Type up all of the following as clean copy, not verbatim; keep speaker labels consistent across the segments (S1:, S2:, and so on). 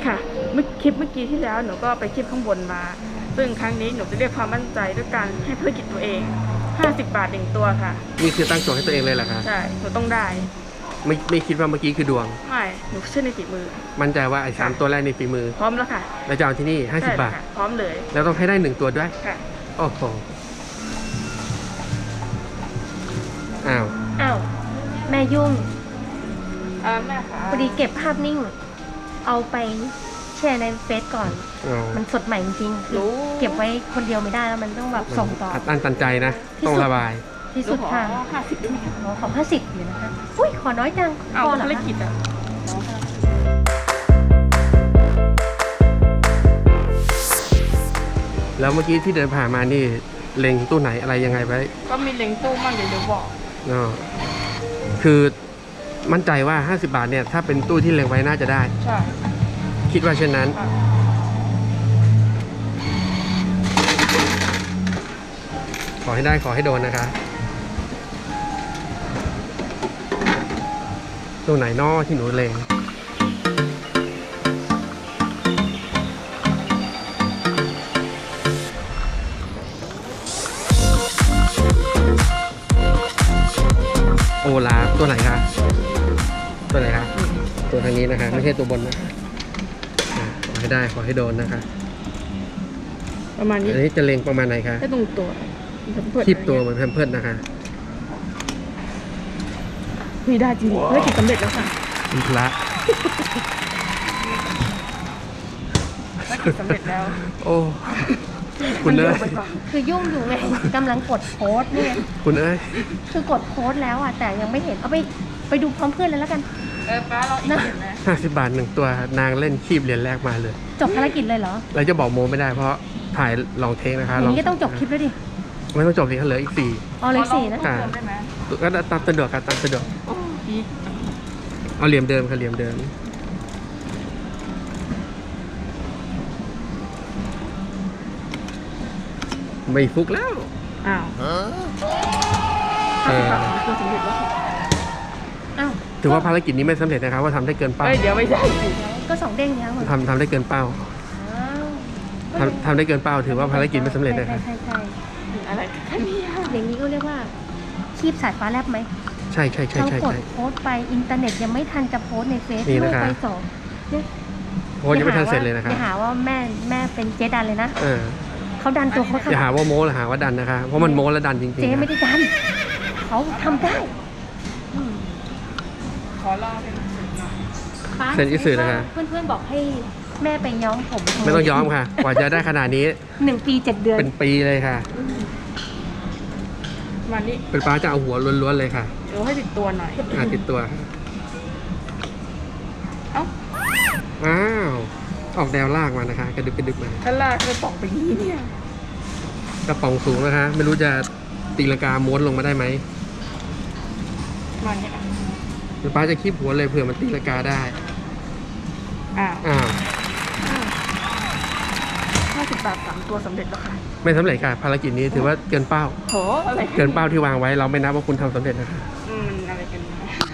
S1: ค่ะคลิปเมื่อกี้ที่แล้วหนูก็ไปคลิปข้างบนมาซึ่งครั้งนี้หนูจะเรียกความมั่นใจด้วยการให้ภารกิจตัวเอง50 บาท1ตัวค่ะ
S2: นี่คือตั้งโจทย์ให้ตัวเองเลยเหรอคะ
S1: ใช่หนูต้องได้
S2: ไม่คิดว่าเมื่อกี้คือดวง
S1: ไม่หนูเชื่อในฝีมือ
S2: มั่นใจว่าไอ้3ตัวแรกในฝีมือ
S1: พร้อมแล้วค่ะ
S2: แล้วจะเอาที่นี่50 บาท
S1: พร้อมเลย
S2: แล้วต้องให้ได้1ตัวด้วย
S1: ค่ะ
S2: โอ้โหอ้
S3: าวแม่ยุ่ง
S1: แม่ค่ะ
S3: พอดีเก็บภาพนิ่งเอาไปแชร์ในเฟซก่อนมันสดใหม่จริงๆเก็บไว้คนเดียวไม่ได้แล้วมันต้องแบบส่งต่อ
S2: อัดตันใจนะต้องระบาย
S3: ที่สุดค่ะ
S1: 50ด้วย
S3: ขอ50อยู่นะคะอุ้ยขอน้อยจัง
S1: เอาภารกิจอะ
S2: แล้วเมื่อกี้ที่เดินผ่านมานี่เล็งตู้ไหนอะไรยังไงไว้
S1: ก็มีเล็งตู้มั่งเดี๋ยวบอก
S2: คือมั่นใจว่า50 บาทเนี่ยถ้าเป็นตู้ที่เล็งไว้น่าจะได้
S1: ใช่
S2: คิดว่าเช่นนั้นขอให้ได้ขอให้โดนนะคะตู้ไหนนอที่หนูเล็งโอลาตัวไหนคะตัวไหนคะตัวทางนี้นะคะไม่ใช่ตัวบนนะขอให้ได้ขอให้โดนนะคะ
S1: ประมาณนี้
S2: อันนี้จะเล็งประมาณไหนคะ
S1: แค่ตรงตัว
S2: คีบตัวเหมือนแพมเพิร์สนะคะ
S1: มีได้จริงภารกิจสำเร็จแล้วค่ะ
S2: มีพระ
S1: ภารกิจสำเร็จแล้ว
S2: โอ้คุณเอ้ย
S3: คือยุ่งอยู่ไงกำลังกดโค้ดเนี่ย
S2: คุณเอ้ย
S3: คือกดโค้ดแล้วอ่ะแต่ยังไม่เห็นเอาไปดูพร้อมเพื่อนเลยแล้วกัน
S1: ป้าเราอีกเห็นไหม
S2: 50 บาท1ตัวนางเล่นคีบเหรียญแรกมาเลย
S3: จบภารกิจเลยเหรอ
S2: เราจะบอกโมไม่ได้เพราะถ่ายลองเทคนะคะ
S3: อย่างนี้ก็ต้องจบคลิปแล้วดิ
S2: ไม่ต้องจบสิเหลืออีก4
S3: เหลือ4นะ
S2: ก็ตามสะดวกค่ะตามสะดวกเอาเหลี่ยมเดิมค่ะเหลี่ยมเดิมไม่ฟุกแล้ว
S1: อ้าว
S2: ถือว่าภารกิจนี้ไม่สำเร็จนะครับว่าทำได้เกินเป้า
S1: เดี๋ยวไม่ใช่
S3: ก็2 เด้งแล้ว
S2: ทำได้เกินเป้าทำได้เกินเป้าถือว่าภารกิจไม่สำเร็จเลยครับ
S3: ใช่
S1: อะไรกันเนี่ย
S3: อย่างนี้ก็เรียกว่าคีบสายฟ้าแลบไหม
S2: ใช่
S3: เขากดโพสต์ไปอินเทอร์เน็ตยังไม่ทันจะโพสต์ในเฟซบุ๊กไป2
S2: โพสยังไม่ทันเสร็จเลยนะครับ
S3: อย่าหาว่าแม่เป็นเจ๊ดันเลยนะเขาดันตัวเขา
S2: อย่าหาว่าโม้หรือหาว่าดันนะคะเพราะมันโม้และดันจริงๆ
S3: เจ๊ไม่ได้ดันเขาทำได้
S1: ขอรอ
S2: เซ็นอิสื่อนะคะ
S3: เพื่อนๆบอกให้แม่ไปย้อมผม
S2: ไม่ต้องย้อมค่ะกว่าจะได้ขนาดนี้
S3: 1 ปี 7 เดือน
S2: เป็นปีเลยค่ะ
S1: วันนี้
S2: เป็นป้าจะเอาหัวล้วนๆเลยค่ะ
S1: เดี๋ยวให้ติดตัวหน่อย
S2: ติดตัวอ้าวออกแนวลากมานะคะกระดึบมา
S1: ถ้าลากจะตกไปนี่เนี่ย
S2: กระป๋องสูงนะคะไม่รู้จะตีลังกาม้วนลงมาได้ไหม
S1: มาเนี่ย
S2: ป้าจะคีบหัวเลยเผื่อมันตีลังกาได้
S1: 50 บาท3ตัวสำเร็จแล้วค่ะ
S2: ไม่สำเร็จค่ะภารกิจนี้ถือว่าเกินเป้า
S1: อะไร
S2: เกินเป้าที่วางไว้เราไม่นับว่าคุณทำสำเร็จนะคะ
S1: อะไรกัน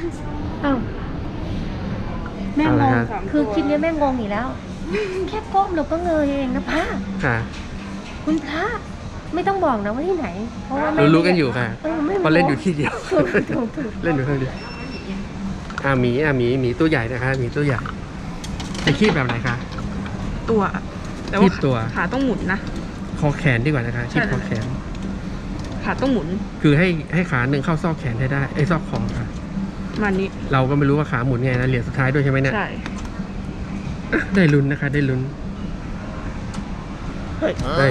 S3: แม่งงคือคลิปนี้แม่งงอีกแล้วแค่ก้มเราก็เงยเองนะพ่
S2: ะ
S3: คุณพระไม่ต้องบอกนะว่าที่ไหนเพราะว่า
S2: รู้กันอยู่ค่ะเพราะเล่นอยู่ที่เดียวเล่นอยู่ที่เดียวหมีตัวใหญ่นะคะหมีตัวใหญ่จะคีบแบบไหนคะ
S1: ตัวแต่ว่าขาต้องหมุนนะ
S2: คอแขนดีกว่านะคะคีบคอแขน
S1: ขาต้องหมุน
S2: คือให้ขาหนึ่งเข้าซอกแขนได้ไอ้ซอกคอค่ะ
S1: มันนี้
S2: เราก็ไม่รู้ว่าขาหมุนไงนะเหรียญสุดท้ายด้วยใช่ไหมเนี่ย
S1: ใช่
S2: ได้ลุ้นนะคะได้ลุ้นเฮ้ย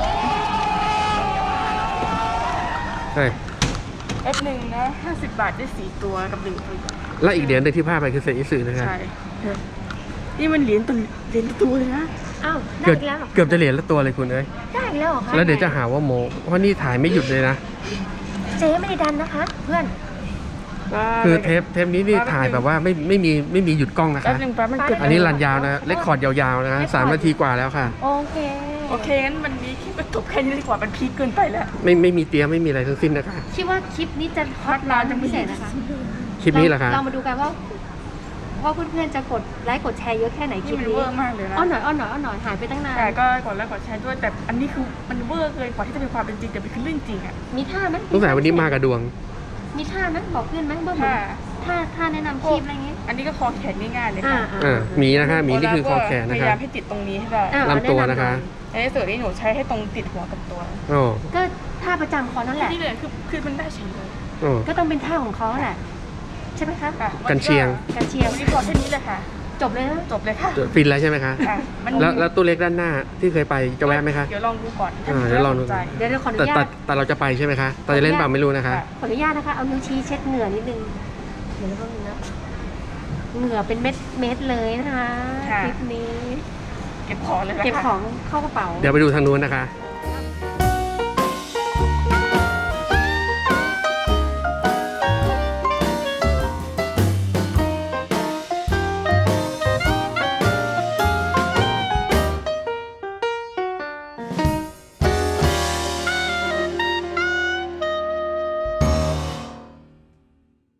S1: F1 นะ50 บาทได้4ตัวกับ1ตัว
S2: และอีกเหรียญนึงที่พลาดไปคือเศษอิสึนะครับ
S1: ใช่นี่มันเหรียญตัวเลยนะ
S3: ได้แล้ว
S2: เกือบจะเหรียญละตัวเลยคุณเอ้ย
S3: ได้แล้วเหรอคะ
S2: แล้วเดี๋ยวจะหาว่าโมเพราะนี่ถ่ายไม่หยุดเลยนะ
S3: เจ๊ไม่ได้ดันนะคะเพื่อน
S2: คือเทปนี้นี่ถ่ายแบบว่าไม่มีหยุดกล้องนะคะอันนี้รันยาวนะเรคคอร์ดยาวๆนะ3 นาทีกว่าแล้วค่ะ
S1: โอเคงั้นวันนี้คลิปจบแค่นี้ดีกว่ามันพีคเกินไปแล้ว
S2: ไม่มีเตรียมไม่มีอะไรทั้งสิ้นนะคะ
S3: คิดว่าคลิปนี้จะฮอตร้อนจะพิเศษนะคะ
S2: คลิปนี้เหรอคะ
S3: เรามาดูกันว่าว่าเพื่อนๆจะกดไลค์กดแชร์เยอะแค่ไหนค
S1: นี่
S3: ลิป
S1: มัน
S3: นี้
S1: เวอร์มากเลยนะ
S3: อ้อนหน่อยอ้อนหน่อยอ้อนหน่อยหายไปตั้งนาน
S1: แต่ก็กดไลค์กดแชร์ด้วยแต่อันนี้คือมันเวอร์เกินกว่าที่จะเป็นความเป็นจริงแต่เป็นคือเรื่องจริงอ่ะ
S3: มีท่าไหม
S2: สงสัยวันนี้มากับดวง
S3: มีท่าไหมบอกเพื่อนไหมเบื้อง
S1: ค่ะ
S3: ท่าแนะนำคลิปอะไรเงี้ย
S1: อันนี้ก็คอแขนง่ายๆเลย
S3: อ่า
S1: ค่ะ
S2: หมีนะคะหมีนี่คือคอแขน
S1: พ
S2: นะ
S1: ยา
S2: คะ
S1: ยามให้ติดตรงนี้ให้ได้
S3: อ่า
S2: ลำตัวนะคะ
S1: ในส่วนนี้หนูใช้ให้ตรงติดหัวกับตัว
S2: โอ้
S3: ก็ท่าประจำเขานั่นแหละ
S1: นี่เลยคือมันได้เฉยเลย
S2: โอ้
S3: ก็ต้องเป็นท่าของเขาแหละใช่ไหมคะ
S1: ค่ะ
S2: กันเชียง
S3: การเชียร์
S1: วันนี้พอแค่นี้เลยค่ะ
S3: จบเลยนะ
S1: จบเลยค่ะ
S2: ฟินแล้วใช่ไหมคะ
S1: ค่ะมัน
S2: แล้วตัวเล็กด้านหน้าที่เคยไปจะแวะไหมคะ
S1: เดี๋ยวลองดูก่อนถ้า
S2: เดี๋ยวลองดู
S1: สนใจ
S3: เดี๋ยวขออนุ
S2: แต่
S3: ญา
S2: แต่
S3: ต
S2: แต่เราจะไปใช่ไหมคะเราจะเล่นเปล่าไม่รู้นะคะ
S1: ค่ะ
S3: ขออนุญาตนะคะเอานิ้วชี้เช็ดเหงื่อนิดนึงเดี๋ยวก็มีนะเหงื่อเป็นเม็ดเลยนะคะ
S1: ค่ะ
S3: คลิปนี้
S1: เก็บของเลยนะคะ
S3: เก็บของเข้ากระเป๋า
S2: เดี๋ยวไปดูทางนู้นนะคะ
S1: โอ